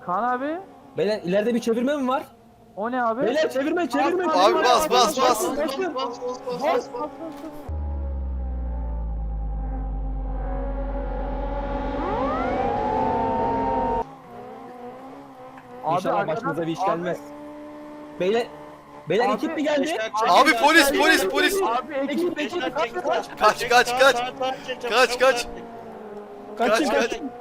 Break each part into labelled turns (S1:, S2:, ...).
S1: Kaan abi.
S2: Beyler ileride bir çevirme mi var?
S1: O ne abi?
S2: Beyler çevirme.
S3: Abi bas.
S2: Bas. İnşallah
S1: arkadan-
S2: başımıza bir iş
S1: abi-
S2: gelmez. Beyler
S1: Abi-
S2: ekip mi geldi?
S3: Abi polis.
S1: Abi ekip
S3: Kaç.
S2: Kaçın.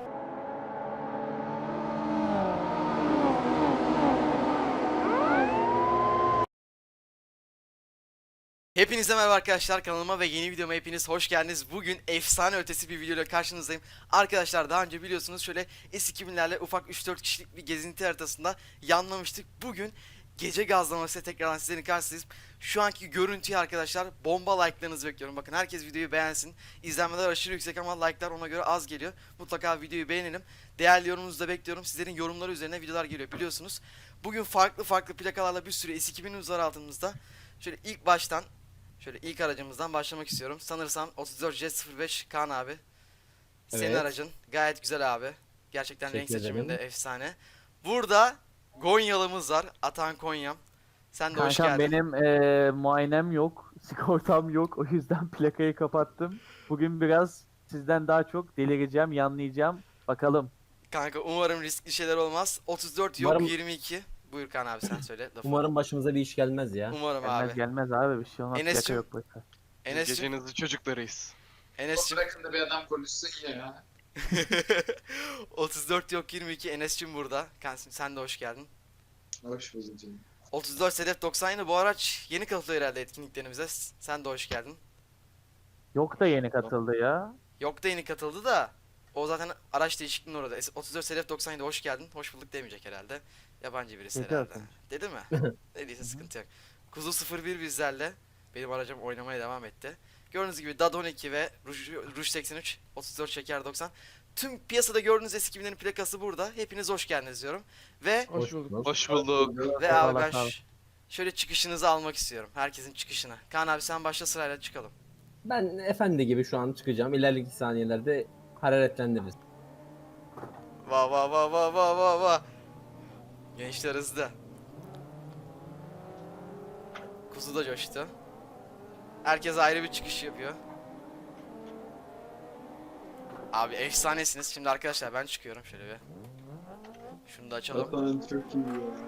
S3: Hepinize merhaba arkadaşlar, kanalıma ve yeni videoma hepiniz hoş geldiniz. Bugün efsane ötesi bir videoyla karşınızdayım. Arkadaşlar daha önce biliyorsunuz şöyle S2000'lerle ufak 3-4 kişilik bir gezinti haritasında yanlamıştık. Bugün gece gazlamasıyla tekrardan sizlerin karşısındayız. Şu anki görüntüyü arkadaşlar bomba like'larınızı bekliyorum. Bakın herkes videoyu beğensin. İzlenmeler aşırı yüksek ama like'lar ona göre az geliyor. Mutlaka videoyu beğenelim. Değerli yorumunuzu da bekliyorum. Sizlerin yorumları üzerine videolar geliyor biliyorsunuz. Bugün farklı plakalarla bir sürü S2000'imiz var altımızda. Şöyle ilk baştan şöyle ilk aracımızdan başlamak istiyorum. Sanırsam 34 Jet 05 Kaan abi. Senin
S2: Evet.
S3: aracın gayet güzel abi. Gerçekten renk
S2: Teşekkür
S3: seçiminde
S2: ederim.
S3: efsane. Burada Gonyalı'mız var. Atan Konyam. Sen de hoş
S1: Kankam
S3: geldin.
S1: benim muayenem yok. Sigortam yok. O yüzden plakayı kapattım. Bugün biraz sizden daha çok delireceğim, yanlayacağım. Bakalım.
S3: Kanka umarım riskli şeyler olmaz. 34 yok
S2: Umarım-
S3: 22. Buyur Kaan abi sen söyle lafı.
S2: Umarım başımıza bir iş gelmez ya.
S3: Umarım
S1: Gelmez
S3: abi.
S1: gelmez abi, bir şey olmaz.
S3: Enes'cim.
S1: Plaka yok plaka.
S3: Enes'cim.
S4: Gecenin çocuklarıyız.
S3: Enes'cim.
S5: Bırakın da bir adam konuşsun ya.
S3: 34 yok 22 Enes'cim burada. Kanka sen de hoş geldin.
S5: Hoş bulduk canım.
S3: 34 Sedef 90 bu araç yeni katılıyor herhalde etkinliklerimize. Sen de hoş geldin.
S1: Yok da yeni katıldı ya.
S3: Yok da yeni katıldı da o zaten araç değişikliğinin orada. 34 Sedef 97 hoş geldin. Hoş bulduk demeyecek herhalde. Yabancı birisi
S1: Dedi
S3: herhalde.
S1: zaten.
S3: Dedi mi? Dediyse sıkıntı yok. Kuzu 01 bizlerle. Benim aracım oynamaya devam etti. Gördüğünüz gibi DAD 12 ve Rouge 83, 34 Şeker 90. Tüm piyasada gördüğünüz S2000'lerin plakası burada. Hepiniz hoş geldiniz diyorum. Ve
S2: Hoş bulduk.
S4: Hoş bulduk.
S3: ve abi
S1: Eyvallah,
S3: ben
S1: sağ ol.
S3: şöyle çıkışınızı almak istiyorum. Herkesin çıkışını. Kaan abi sen başla sırayla çıkalım.
S2: Ben efendi gibi şu an çıkacağım. İleriki saniyelerde hararetlendiririz.
S3: Va. Gençler hızlı. Kuzu da coştu. Herkes ayrı bir çıkış yapıyor. Abi efsanesiniz. Şimdi arkadaşlar ben çıkıyorum şöyle bir. Şunu da açalım.
S5: Zaten çok iyi ya.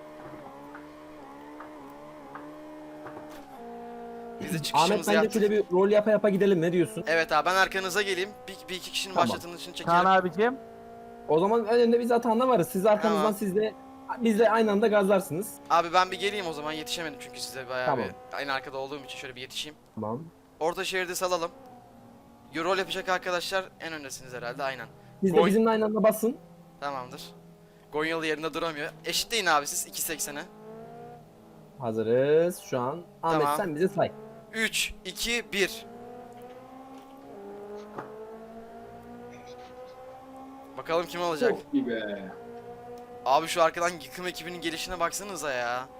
S3: Biz de
S2: Ahmet
S3: çıkışımızı
S2: bence
S3: yaptık.
S2: şöyle bir rol yapa gidelim, ne diyorsun?
S3: Evet abi ben arkanıza geleyim. Bir iki kişinin
S2: Tamam.
S3: başlatılışını çekelim.
S1: Kaan abicim.
S2: O zaman önünde biz Atan'la varız. Siz arkamızdan
S3: Tamam.
S2: biz de aynı anda gazlarsınız.
S3: Abi ben bir geleyim o zaman yetişemedim çünkü size bayağı
S2: Tamam.
S3: bir aynı arkada olduğum için şöyle bir yetişeyim.
S2: Tamam.
S3: Orta şeridi salalım. Rol yapacak arkadaşlar en öndesiniz herhalde aynen.
S2: Siz de
S3: Gol.
S2: bizimle aynı anda basın.
S3: Tamamdır. Gonyalı yerinde duramıyor. Eşitleyin abi siz 2.80'e.
S2: Hazırız şu an. Ahmet
S3: Tamam.
S2: sen bize say.
S3: 3, 2, 1. Bakalım kim olacak?
S5: Çok iyi be.
S3: Abi şu arkadan yıkım ekibinin gelişine baksanıza ya.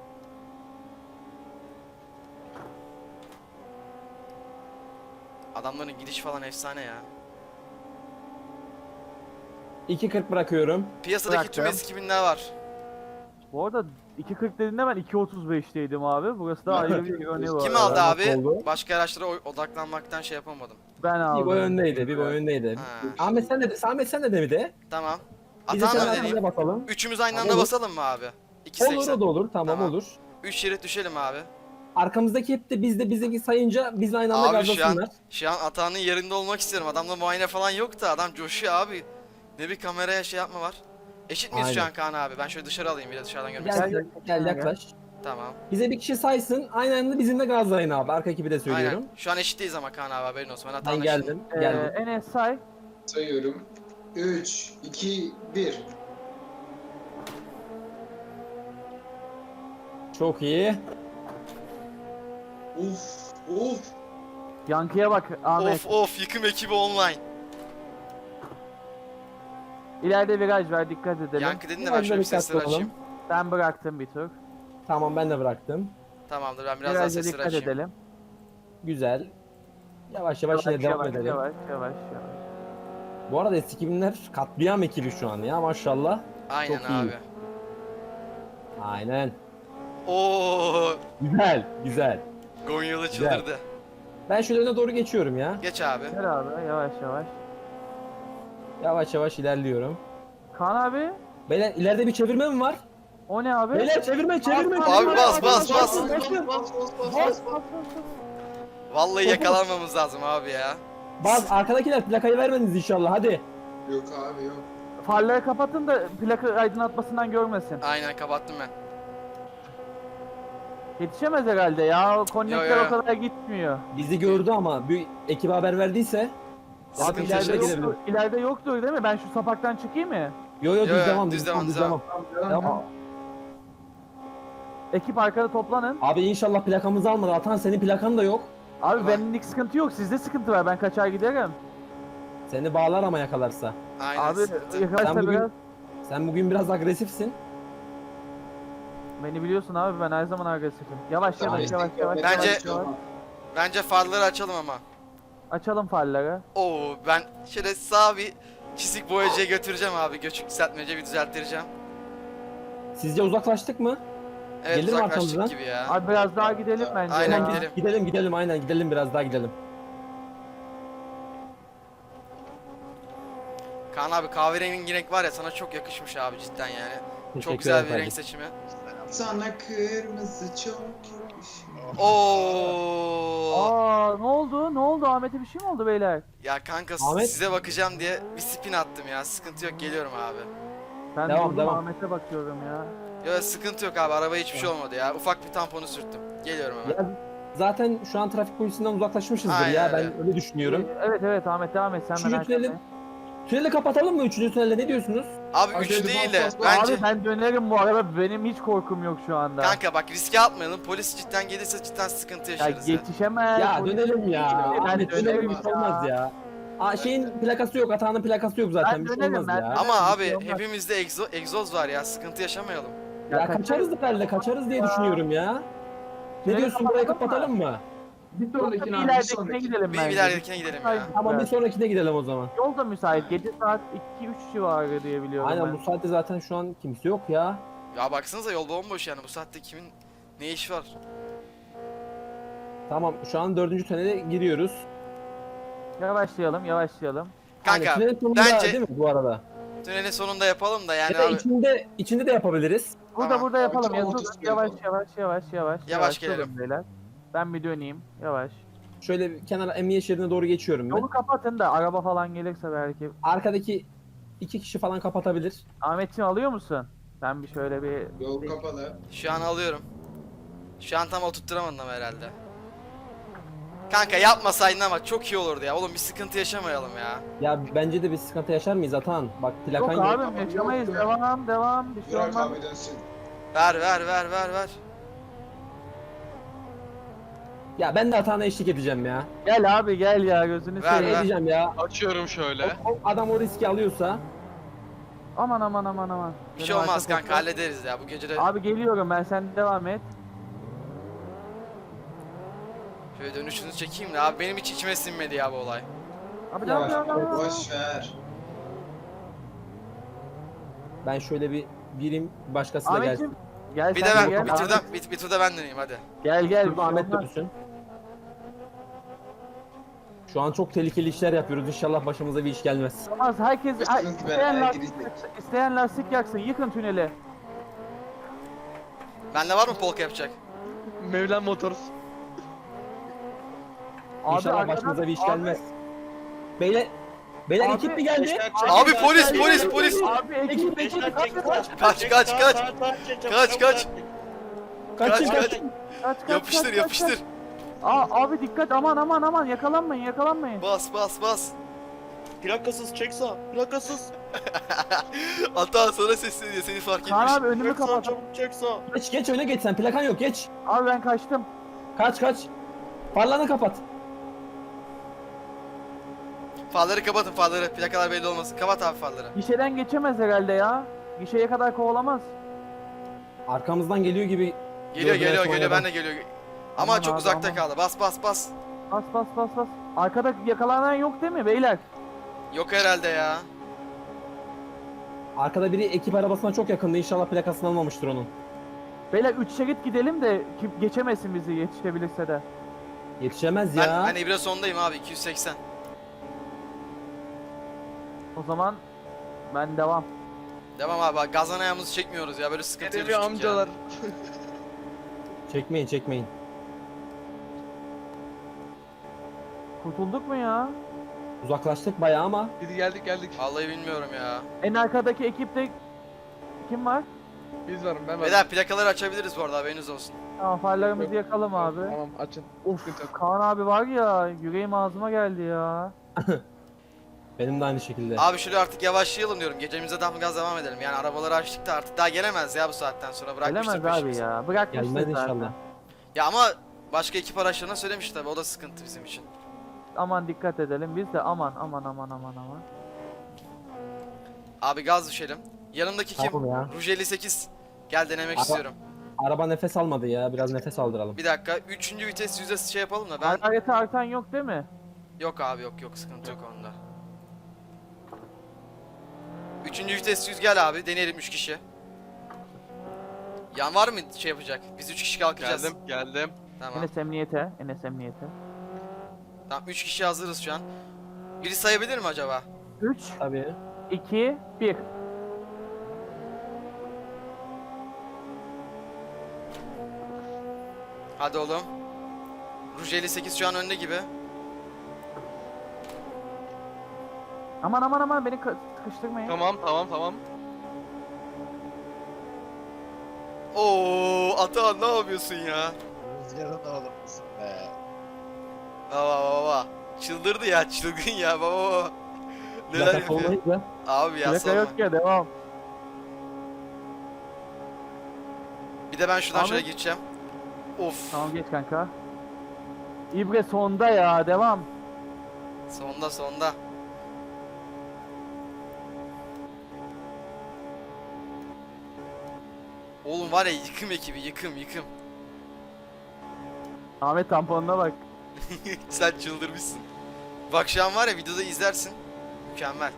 S3: Adamların gidiş falan efsane ya.
S2: 2.40 bırakıyorum.
S3: Piyasadaki tüm
S1: Bıraktım.
S3: eski binler var.
S1: Bu arada 2.40 dediğinde ben 2.35'teydim abi. Burası da ayrı bir örneği var.
S3: Kim aldı
S2: Nasıl
S3: abi?
S2: oldu?
S3: Başka araçlara odaklanmaktan şey yapamadım.
S1: Ben
S2: Bir
S1: aldım.
S2: boy öndeydi, bir boy öndeydi.
S3: Ha,
S2: Ahmet sen de mi de?
S3: tamam.
S2: Biz de
S3: Atanla
S2: seninle
S3: deneyeyim.
S2: arkamıza basalım.
S3: Üçümüz aynı anda
S2: Olur.
S3: basalım mı abi?
S2: Olur, o
S3: 2.80.
S2: da olur. Tamam,
S3: Tamam.
S2: olur.
S3: 3 şerit düşelim abi.
S2: Arkamızdaki hep de bizdeki sayınca biz aynı anda
S3: Abi
S2: gazlasınlar.
S3: şu an Atan'ın yerinde olmak istiyorum. Adamda muayene falan yok da adam coşuyor abi. Ne bir kameraya şey yapma var. Eşit miyiz şu
S2: Aynen.
S3: an Kaan abi? Ben şöyle dışarı alayım bir de dışarıdan görmek
S2: Gel,
S3: istiyorum.
S2: gel yaklaş.
S3: Tamam.
S2: Bize bir kişi saysın. Aynı anda bizimle gazlayın abi. Arka ekibi de söylüyorum.
S3: Aynen. Şu an eşitteyiz ama Kaan abi haberin olsun. Ben
S2: Ben
S3: Atan'la
S2: geldim.
S1: Ee,
S2: Geldim.
S1: Enes say.
S5: Sayıyorum. 3, 2, 1.
S2: Çok iyi.
S5: Uf.
S1: Yankıya bak Ahmet.
S3: Of yıkım ekibi online.
S1: İleride viraj var, dikkat edelim.
S3: Yankı dedin de ben
S2: Biraz
S3: şöyle bir
S2: da dikkatli
S3: sesleri açayım.
S2: olalım.
S1: Ben bıraktım bir tur.
S2: Tamam, ben de bıraktım.
S3: Tamamdır ben biraz daha
S1: Virajda
S3: sesleri
S1: dikkat
S3: açayım.
S1: edelim.
S2: Güzel. Yavaş yine devam
S1: yavaş,
S2: edelim.
S1: yavaş.
S2: Bu arada S2000'ler katliam ekibi şu an ya, maşallah.
S3: Aynen
S2: Çok iyi.
S3: abi.
S2: Aynen.
S3: Oo,
S2: Güzel, güzel.
S3: Gonyalı
S2: Güzel.
S3: çıldırdı.
S2: Ben şöyle öne doğru geçiyorum ya.
S3: Geç abi.
S1: Gel abi yavaş yavaş.
S2: Yavaş yavaş ilerliyorum.
S1: Kaan abi.
S2: Beyler ileride bir çevirme mi var?
S1: O ne abi?
S2: Beyler çevirme, çevirme.
S1: Abi,
S2: çevirme.
S3: bas, bas, bas.
S1: Bas.
S3: Vallahi yakalanmamız lazım abi ya.
S2: Bas, arkadakiler plakayı vermediniz inşallah, hadi.
S5: Yok abi yok.
S1: Farları kapatın da plaka aydınlatmasından görmesin.
S3: Aynen kapattım ben.
S1: Yetişemez herhalde ya. O konnektör
S3: Yo, yo.
S1: o kadar gitmiyor.
S2: Bizi gördü ama bir ekibe haber verdiyse.
S1: Abi
S3: Sıkıntı
S1: ileride
S3: yaşarız.
S2: gidelim.
S1: yoktur, ileride yoktur değil mi? Ben şu sapaktan çıkayım mı?
S2: Yo
S3: Yo,
S2: düz
S3: yo,
S2: devam,
S3: düz devam, düz devam.
S2: Devam.
S1: Ekip arkada toplanın.
S2: Abi inşallah plakamızı almadı. Atan senin plakan da yok.
S1: Abi
S3: Tamam.
S1: benlik sıkıntı yok. Sizde sıkıntı var. Ben kaçar giderim.
S2: Seni bağlar ama yakalarsa.
S3: Aynen
S1: Abi
S3: sıkıntı.
S1: yakalarsa
S2: Sen bugün-
S1: biraz.
S2: Sen bugün biraz agresifsin.
S1: Beni biliyorsun abi, ben her zaman agresifim. Yavaş
S5: Tamam,
S1: yavaş yavaş
S5: destek
S1: yavaş.
S5: yok.
S3: Bence-
S1: yavaş, yavaş.
S3: Bence farları açalım ama.
S1: Açalım farları.
S3: Oo, ben şöyle sağ bir çizik boyacıya götüreceğim abi. Göçük düzeltmece bir düzelttireceğim.
S2: Sizce uzaklaştık mı?
S3: Evet,
S2: Gelir mi
S3: uzaklaştık
S2: arkamızdan?
S3: gibi ya.
S1: Abi biraz daha gidelim bence.
S3: Aynen,
S1: ya.
S3: gidelim.
S2: Gidelim aynen gidelim biraz daha gidelim.
S3: Kaan abi kahverengi renk var ya, sana çok yakışmış abi cidden yani. Çok
S2: Teşekkür
S3: güzel
S2: ederim
S3: bir renk
S2: kardeşim.
S3: seçimi.
S5: Sana kırmızı çok yakışıyor.
S3: Oo.
S1: Aa ne oldu? Ne oldu? Ahmet'e bir şey mi oldu beyler?
S3: Ya kanka
S2: Ahmet-
S3: size bakacağım diye bir spin attım ya. Sıkıntı yok, geliyorum abi.
S1: Ben
S2: Devam,
S1: durdum
S2: devam.
S1: Ahmet'e bakıyorum ya.
S3: Ya sıkıntı yok abi, arabaya hiçbir şey olmadı ya. Ufak bir tamponu sürttüm. Geliyorum hemen.
S2: Ya, zaten şu an trafik polisinden uzaklaşmışızdır
S3: Aynen
S2: ya,
S3: öyle.
S2: ben öyle düşünüyorum.
S1: Evet Ahmet devam et sen
S2: Üçüncü
S1: merak
S2: tüneli,
S1: etme.
S2: tüneli kapatalım mı? Üçüncü tünelde ne diyorsunuz?
S3: Abi
S5: Hadi
S3: 3
S5: hadi,
S3: değil
S5: bas,
S3: de
S5: bas, bas.
S3: bence...
S1: Abi ben dönerim bu araba, benim hiç korkum yok şu anda.
S3: Kanka bak, riske atmayalım. Polis cidden gelirse cidden sıkıntı
S1: Ya
S3: yaşarız ya.
S1: yetişemez.
S2: Ya
S1: polis-
S2: dönelim ya.
S1: Ben
S2: Ahmet dönelim,
S1: dönerim
S2: hiç olmaz ya. Aa, şeyin plakası yok, Atahan'ın plakası yok zaten,
S1: Ben
S2: bir şey
S1: dönerim,
S2: olmaz
S1: ben
S2: ya.
S1: dönerim.
S3: Ama
S1: bir
S3: abi
S1: şey olmaz.
S3: hepimizde egzoz var ya, sıkıntı yaşamayalım.
S2: Ya
S1: kaçarız.
S2: kaçarız herhalde, kaçarız diye düşünüyorum ya. Ne
S1: Tüneli
S2: diyorsun, burayı
S1: kapatalım
S2: kapatalım mı?
S5: Bir
S1: Yoksa
S5: sonrakine
S1: bir
S5: abi bir
S1: ileridekine
S5: sonraki.
S1: gidelim
S3: Bir
S1: bence.
S3: ileridekine gidelim ya.
S2: Tamam, bir sonrakine gidelim o zaman.
S1: Yol da müsait. Gece saat 2-3 civarı diye biliyorum
S2: Aynen,
S1: ben.
S2: bu saatte zaten şu an kimse yok ya.
S3: Ya baksanıza, yol bomboş yani, bu saatte kimin ne işi var?
S2: Tamam, şu an 4. tünele giriyoruz.
S1: Yavaşlayalım.
S2: Yani
S3: Kanka
S2: tünelin sonunda
S3: bence
S2: değil mi bu arada?
S3: tünelin sonunda yapalım da yani
S2: Ya da
S3: abi.
S2: içinde de yapabiliriz.
S1: Burada
S3: Tamam.
S1: yapalım.
S5: Tamam,
S1: Yazılın.
S5: otuz
S1: Yavaş
S3: gelelim.
S1: durun beyler. Ben bir döneyim. Yavaş.
S2: Şöyle bir kenara emniyet şeridine doğru geçiyorum ben.
S1: Yolu kapatın da araba falan gelirse belki.
S2: Arkadaki 2 kişi falan kapatabilir.
S1: Ahmetciğim alıyor musun? Ben bir şöyle bir...
S5: Yol kapalı.
S3: Şu an alıyorum. Şu an tam oturtturamadım herhalde. Kanka yapmasaydın ama çok iyi olurdu ya. Oğlum bir sıkıntı yaşamayalım ya.
S2: Ya bence de bir sıkıntı yaşar mıyız Atahan? Bak plakan
S1: Yok
S2: yok.
S1: abim yaşamayız.
S5: Yok.
S1: Devam. Bir şey
S5: Burak
S1: olmaz.
S5: abi dönsün.
S3: Ver.
S2: Ya ben de Atahan'a eşlik edeceğim ya.
S1: Gel abi gel ya gözünü
S3: Ver,
S1: seveyim.
S3: ver.
S2: Edeceğim ya.
S4: Açıyorum şöyle.
S2: Adam o riski alıyorsa.
S1: Aman.
S3: Bir şey
S1: Benim
S3: olmaz
S1: arka
S3: kanka,
S1: koltuğa-
S3: hallederiz ya bu gece de.
S1: Abi geliyorum ben, sen devam et.
S3: Şöyle dönüşünü çekeyim de abi, benim hiç içime sinmedi ya bu olay.
S1: Abi
S2: Yavaş,
S1: devam.
S5: Boş ver.
S2: Ben şöyle bir gireyim, başkası da gelsin.
S1: Ahmetciğim gel
S3: Bir de
S1: sen de
S3: ben
S1: gel.
S3: bir turda ben döneyim hadi.
S1: Gel
S2: Şurada
S1: bir şey
S2: Ahmet de
S1: olmaz.
S2: düşsün. Şu an çok tehlikeli işler yapıyoruz. İnşallah başımıza bir iş gelmez.
S1: Olmaz. Herkes
S5: Başınız
S1: isteyen
S5: belaya
S1: lastik,
S5: girecek.
S1: isteyen lastik yaksın. Yıkın tüneli.
S3: Bende var mı polka yapacak?
S4: Mevlen Motors.
S2: İnşallah
S1: arkadan-
S2: başımıza bir iş
S1: abi-
S2: gelmez. Beyler
S1: Abi-
S2: ekip mi geldi?
S3: Abi polis.
S1: Abi ekip
S3: Kaç.
S2: Kaçın.
S3: kaç. Yapıştır.
S1: Abi dikkat, aman yakalanmayın.
S3: Bas.
S4: Plakasız çek sağ. Plakasız.
S3: Hatta sana sesleniyor, seni fark
S1: Kaan
S3: etmiş.
S1: abi önümü
S4: Çek sağ,
S1: kapat.
S4: çabuk çek sağ.
S2: Geç öne geç sen. Plakan yok, geç.
S1: Abi ben kaçtım.
S2: Kaç. Farlarını kapat.
S3: Farları kapatın, farları. Plakalar belli olmasın. Kapat abi farları.
S1: Gişeden geçemez herhalde ya. Gişeye kadar kovalamaz.
S2: Arkamızdan geliyor gibi.
S3: Geliyor,
S2: Gördüler sonradan.
S3: ben de geliyor. Ama
S1: Aman
S3: çok
S1: abi,
S3: uzakta
S1: aman.
S3: kaldı. Bas.
S1: Bas. Arkada yakalanan yok değil mi beyler?
S3: Yok herhalde ya.
S2: Arkada biri ekip arabasına çok yakındı. İnşallah plakasını almamıştır onun.
S1: Beyler 3 şerit gidelim de kim geçemesin bizi yetişebilirse de.
S2: Yetişemez ya.
S3: Ben İbre sondayım abi 280.
S1: O zaman ben devam.
S3: Devam abi bak, gazdan ayağımızı çekmiyoruz ya, böyle sıkıntıya
S4: Geliyor
S3: düştük ya.
S4: amcalar.
S2: Çekmeyin çekmeyin.
S1: Kurtulduk mu ya?
S2: Uzaklaştık bayağı ama.
S4: Biz geldik.
S3: Vallahi bilmiyorum ya.
S1: En arkadaki ekipte kim var?
S4: Biz varım ben varım.
S3: Beyler plakaları açabiliriz bu arada, haberiniz olsun.
S1: Tamam farlarımızı yakalım abi.
S4: Tamam açın.
S1: Of
S4: Sıkıntı yok.
S1: Kaan abi var ya yüreğim ağzıma geldi ya.
S2: Benim de aynı şekilde.
S3: Abi şöyle artık yavaşlayalım diyorum. Gecemize daha gaz devam edelim. Yani arabaları açtık da artık daha gelemez ya bu saatten sonra. Bırakmıştır
S1: Gelemez abi
S3: peşimizi.
S1: ya. Bırakmıştır
S2: Gelmez
S1: zaten.
S2: inşallah.
S3: Ya ama başka ekip araçlarına söylemiş tabii, o da sıkıntı bizim için.
S1: Aman dikkat edelim biz de aman.
S3: Abi gaz düşelim. Yanımdaki kim?
S2: Tamam ya.
S3: Ruj 58. Gel denemek
S2: Ara-
S3: istiyorum.
S2: Araba nefes almadı ya. Biraz nefes aldıralım.
S3: Bir dakika. 3. vites yüzdesi şey yapalım da ben...
S1: Harareti artan yok değil mi?
S3: Yok abi yok sıkıntı yok onda. 3. vites yüz, gel abi deneyelim 3 kişi. Yan var mı şey yapacak? Biz 3 kişi kalkacağız.
S4: Geldim.
S3: Tamam.
S1: Enes emniyete.
S3: Tamam 3 kişi hazırız şu an. Biri sayabilir mi acaba?
S1: 3,
S2: Tabii.
S1: 2, 1.
S3: Hadi oğlum. Ruj 58 şu an önde gibi.
S1: Aman beni sıkıştırmayın.
S4: Tamam.
S3: Oo, Atahan ne yapıyorsun ya?
S6: Rüzgarın oğlum musun be?
S3: Baba. Çıldırdı ya, çılgın ya baba. Neler
S2: Plaka
S3: yapıyor?
S2: olmayınca.
S3: Abi ya
S1: Plaka
S3: sorma.
S1: yok ya devam.
S3: Bir de ben şuradan
S1: Ahmet.
S3: şöyle geçeceğim. Of.
S1: Tamam geç kanka. İbre sonda ya devam.
S3: Sonda. Oğlum var ya, yıkım ekibi, yıkım.
S1: Ahmet tamponuna bak.
S3: Sen çıldırmışsın. Bak şu an var ya, videoda izlersin. Mükemmel.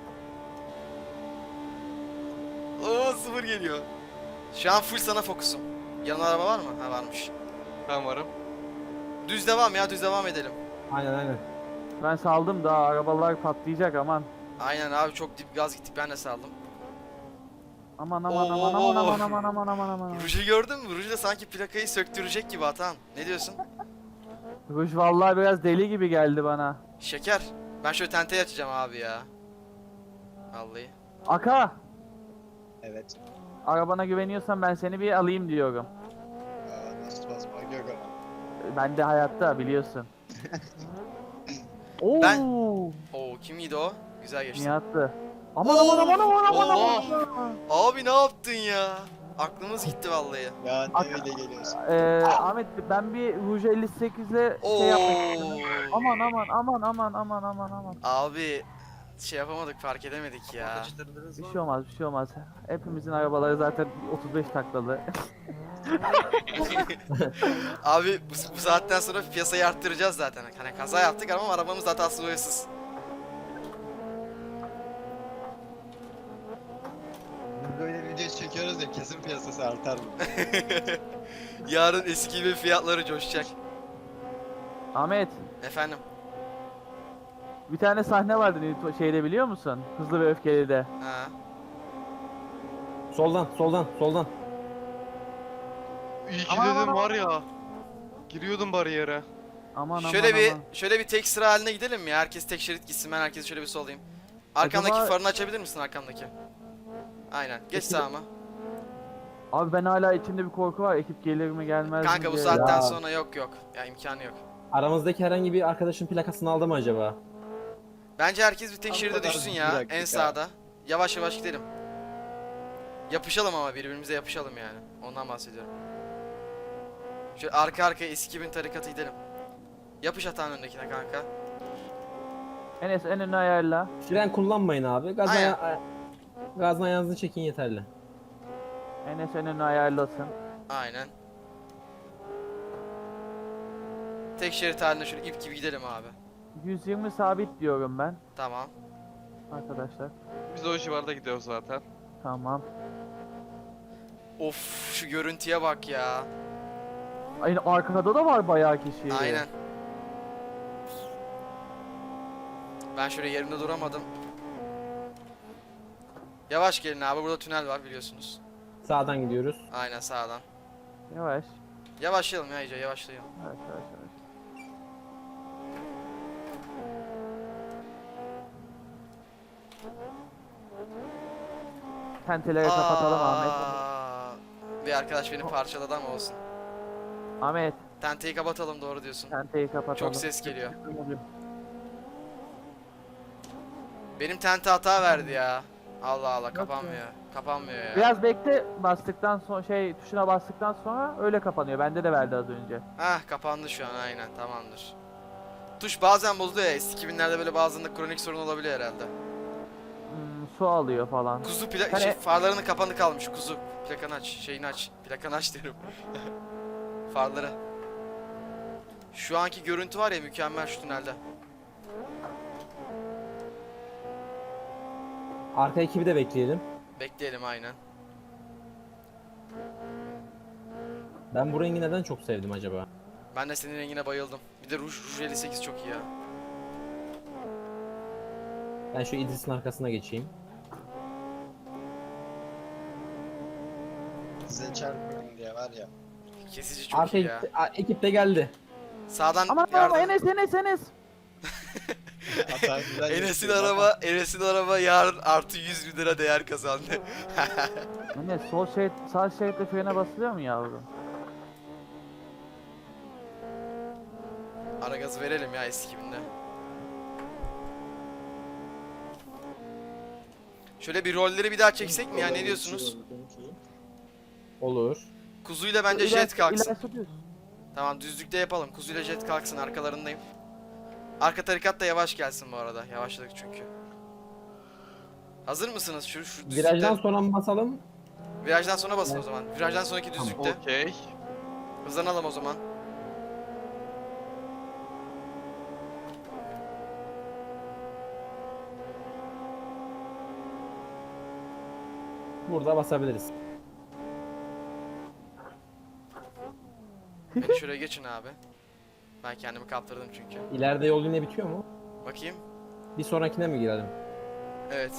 S3: Oo, 0 geliyor. Şu an full sana fokusum. Yanına araba var mı? Ha, varmış.
S4: Ben varım.
S3: Düz devam ya, düz devam edelim.
S2: Aynen.
S1: Ben saldım daha arabalar patlayacak aman.
S3: Aynen abi, çok dip gaz gittik, ben de saldım.
S1: Aman.
S3: Ruj'u gördün mü? Ruj da sanki plakayı söktürecek gibi Atan. Ne diyorsun?
S1: Ruj vallahi biraz deli gibi geldi bana.
S3: Şeker. Ben şöyle tenteyi açacağım abi ya. Vallahi.
S1: Aka.
S6: Evet.
S1: Arabana güveniyorsan ben seni bir alayım diyorum.
S6: Nasıl basmak yok ama.
S1: Ben de hayatta biliyorsun. Oo.
S3: Ben- Oo, kimiydi o? Güzel geçti.
S1: Nihat'tı. Aman.
S3: Abi ne yaptın ya? Aklımız gitti vallahi.
S6: Ya ne
S1: Ak-
S6: öyle geliyorsun?
S1: Ahmet ben bir Rouge 58'le şey yapmak istedim.
S3: Oo.
S1: Aman.
S3: Abi şey yapamadık, fark edemedik ya.
S1: Bir şey olmaz. Hepimizin arabaları zaten 35 taklalı.
S3: Abi bu saatten sonra piyasayı arttıracağız zaten. Hani kaza yaptık ama arabamız hatasız boyasız.
S6: Biz böyle video çekiyoruz ya kesin piyasası artar mı?
S3: Yarın eski gibi fiyatları coşacak.
S1: Ahmet,
S3: Efendim.
S1: bir tane sahne vardı şeyde biliyor musun? Hızlı ve Öfkeli'de.
S3: Ha.
S2: Soldan.
S4: İyi ki
S1: Aman,
S4: dedim
S1: aman,
S4: var ya. Giriyordum bariyere.
S1: Aman.
S3: Şöyle bir tek sıra haline gidelim mi? Herkes tek şerit gitsin, ben herkesi şöyle bir solayım. Arkamdaki
S1: Acaba-
S3: farını açabilir misin, arkamdaki? Aynen. Geç sağıma.
S1: Abi ben hala içimde bir korku var. Ekip gelir mi gelmez mi
S3: Kanka bu
S1: diye.
S3: saatten
S2: Ya.
S3: sonra yok. Ya imkanı yok.
S2: Aramızdaki herhangi bir arkadaşın plakasını aldı mı acaba?
S3: Bence herkes bir tek
S6: Tam
S3: şeride
S6: kadar
S3: düşsün ya,
S6: bıraktık
S3: en
S6: ha.
S3: sağda. Yavaş yavaş gidelim. Yapışalım ama birbirimize yapışalım yani. Ondan bahsediyorum. Şöyle arka arkaya eski 2000 tarikatı gidelim. Yapış atağın öndekine kanka.
S1: Enes en önü ayarla.
S2: Fren kullanmayın abi.
S3: Aynen.
S2: Gazdan ayağınızı çekin yeterli.
S1: Enes en önü ayarlasın.
S3: Aynen. Tek şerit halinde şöyle ip gibi gidelim abi.
S1: 120 sabit diyorum ben
S3: Tamam.
S1: arkadaşlar.
S4: Biz o civarda gidiyoruz zaten.
S1: Tamam.
S3: Of şu görüntüye bak ya.
S1: Aynı arkada da var bayağı kişi.
S3: Aynen. Ben şöyle yerimde duramadım. Yavaş gelin abi, burada tünel var biliyorsunuz.
S2: Sağdan gidiyoruz.
S3: Aynen sağdan.
S1: Yavaş.
S3: Yavaşlayalım ya iyice, yavaşlayalım.
S1: Yavaş yavaş yavaş. Tenteleri kapatalım Ahmet.
S3: Aa, bir arkadaş beni parçaladı ama olsun.
S1: Ahmet,
S3: Tenteyi kapatalım, doğru diyorsun.
S1: tenteyi kapatalım.
S3: Çok ses geliyor. Benim tente hata verdi ya. Allah Allah, kapanmıyor. Kapanmıyor ya.
S1: Biraz bekle, bastıktan sonra tuşuna bastıktan sonra öyle kapanıyor. Bende de verdi az önce.
S3: Heh, kapandı şu an, aynen, tamamdır. Tuş bazen bozuluyor ya. S2000'lerde böyle bazılarında kronik sorun olabiliyor herhalde.
S1: Su alıyor falan.
S3: Kuzu
S1: Hani-
S3: farlarının kapanı kalmış. Kuzu plakanı aç, şeyini aç. Plakanı aç derim. Farları. Şu anki görüntü var ya, mükemmel şu tünelde.
S2: Arka ekibi de bekleyelim.
S3: Bekleyelim aynen.
S2: Ben bu rengi neden çok sevdim acaba?
S3: Ben de senin rengine bayıldım. Bir de Rouge 58 çok iyi ya.
S2: Ben şu İdris'in arkasına geçeyim.
S6: Size çarpmayın diye var ya.
S3: Kesici çok
S2: Arka
S3: iyi ya.
S2: ekip de geldi.
S3: Sağdan
S1: Aman
S3: yardım.
S1: aman Enes.
S6: Hata güzel
S3: Enes'in
S6: yapıyor.
S3: Enes'in araba yarın artı 100 bin lira değer kazandı.
S1: Enes sağ şeritte frene basılıyor mu yavrum?
S3: Ara gaz verelim ya eski binde. Şöyle bir rolleri bir daha çeksek mi ya, ne diyorsunuz?
S2: Olur.
S3: Kuzuyla bence jet kalksın.
S1: İlerisi düz.
S3: Tamam, düzlükte yapalım. Kuzuyla jet kalksın, arkalarındayım. Arka tarikat da yavaş gelsin bu arada. Yavaşladık çünkü. Hazır mısınız? Şu düzlükte.
S2: Virajdan sonra mı basalım?
S3: Virajdan sonra basın o zaman. Virajdan sonraki düzlükte.
S4: Okey.
S3: Hızlanalım o zaman.
S2: Burada basabiliriz.
S3: Beni şuraya geçin abi. Ben kendimi kaptırdım çünkü.
S2: İleride yol yine bitiyor mu?
S3: Bakayım.
S2: Bir sonrakine mi girelim?
S3: Evet.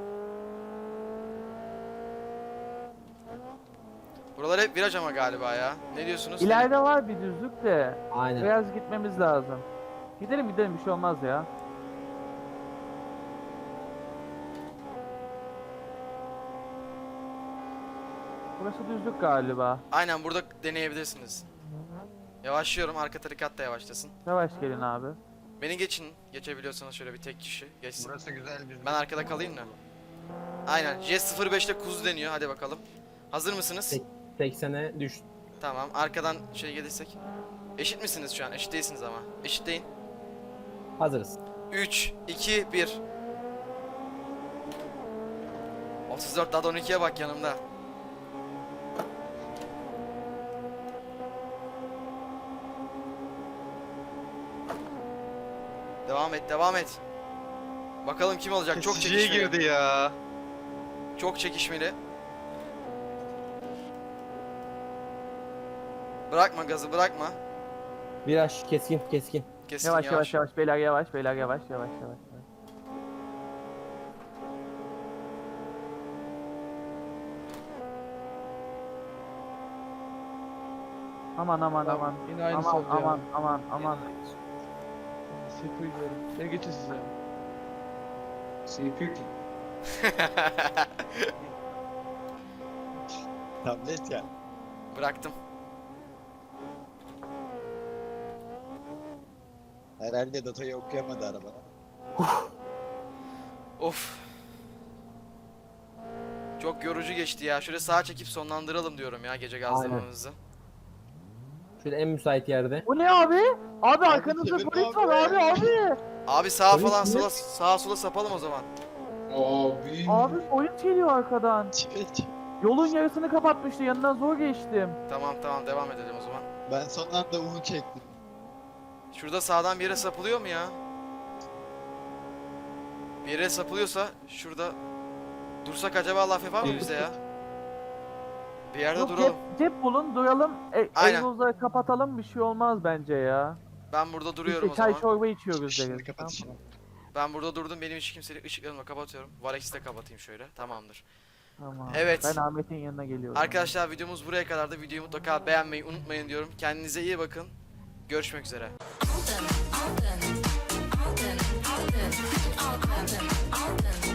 S3: Buralar hep viraj ama galiba ya. Ne diyorsunuz?
S1: İleride var bir düzlük de.
S2: Aynen.
S1: Biraz gitmemiz lazım. Gidelim bir şey olmaz ya. Burası düzlük galiba.
S3: Aynen, burada deneyebilirsiniz. Yavaşlıyorum, arka tarikat da yavaşlasın.
S1: Yavaş gelin abi.
S3: Beni geçin. Geçebiliyorsanız şöyle bir tek kişi geçsin.
S6: Burası güzel bir.
S3: Ben arkada kalayım da. Aynen. J05'te kuzu deniyor. Hadi bakalım. Hazır mısınız?
S2: 80'e düştü.
S3: Tamam. Arkadan gelirsek. Eşit misiniz şu an? Eşit değilsiniz ama. Eşitleyin.
S2: Hazırız.
S3: 3, 2, 1. 34 daha da 12'ye bak yanımda. Devam et, devam et. Bakalım kim olacak? Çok
S4: Kesiciye
S3: çekişmeli.
S4: girdi ya.
S3: Çok çekişmeli. Bırakma gazı, bırakma.
S2: Viraj keskin.
S3: Kesin
S1: Yavaş beyler yavaş. Aman.
S4: Yine aynısı oldu ya.
S1: Aman.
S4: CPU diyorum. Gel geçin size.
S5: CPU ki.
S6: Tablet ya.
S3: Bıraktım.
S6: Herhalde datayı okuyamadı araba.
S3: Of. Çok yorucu geçti ya. Şöyle sağa çekip sonlandıralım diyorum ya gece gazlamamızı.
S2: Şöyle en müsait yerde.
S1: Bu ne abi? Abi arkanızda
S6: kimin
S1: polis
S6: abi?
S1: var abi.
S3: Abi sağa
S2: Polis
S3: falan
S2: mi?
S3: sağa sola sapalım o zaman.
S5: Abi.
S1: Abi polis geliyor arkadan.
S6: Çek.
S1: Yolun yarısını kapatmıştı, yanından zor geçtim.
S3: Tamam devam edelim o zaman.
S6: Ben son anda U çektim.
S3: Şurada sağdan bir yere sapılıyor mu ya? Bir yere sapılıyorsa şurada Dursak acaba laf yapar mı bize ya? Bir yerde
S1: Yok,
S3: duralım.
S1: cep bulun duralım.
S3: Aynen.
S1: Egzozları kapatalım, bir şey olmaz bence ya.
S3: Ben burada duruyorum o
S1: İşte çay
S3: zaman.
S1: çorba içiyoruz
S6: Şimdi
S1: deriz.
S6: kapat
S1: Tamam.
S6: işini.
S3: Ben burada durdum. Benim hiç kimsenin ışıklarını da kapatıyorum. Valex'i de kapatayım şöyle. Tamamdır.
S1: Tamam.
S3: Evet.
S1: Ben Ahmet'in yanına geliyorum.
S3: Arkadaşlar videomuz buraya kadardı. Videoyu mutlaka beğenmeyi unutmayın diyorum. Kendinize iyi bakın. Görüşmek üzere.
S7: Alden, Alden, Alden, Alden, Alden, Alden.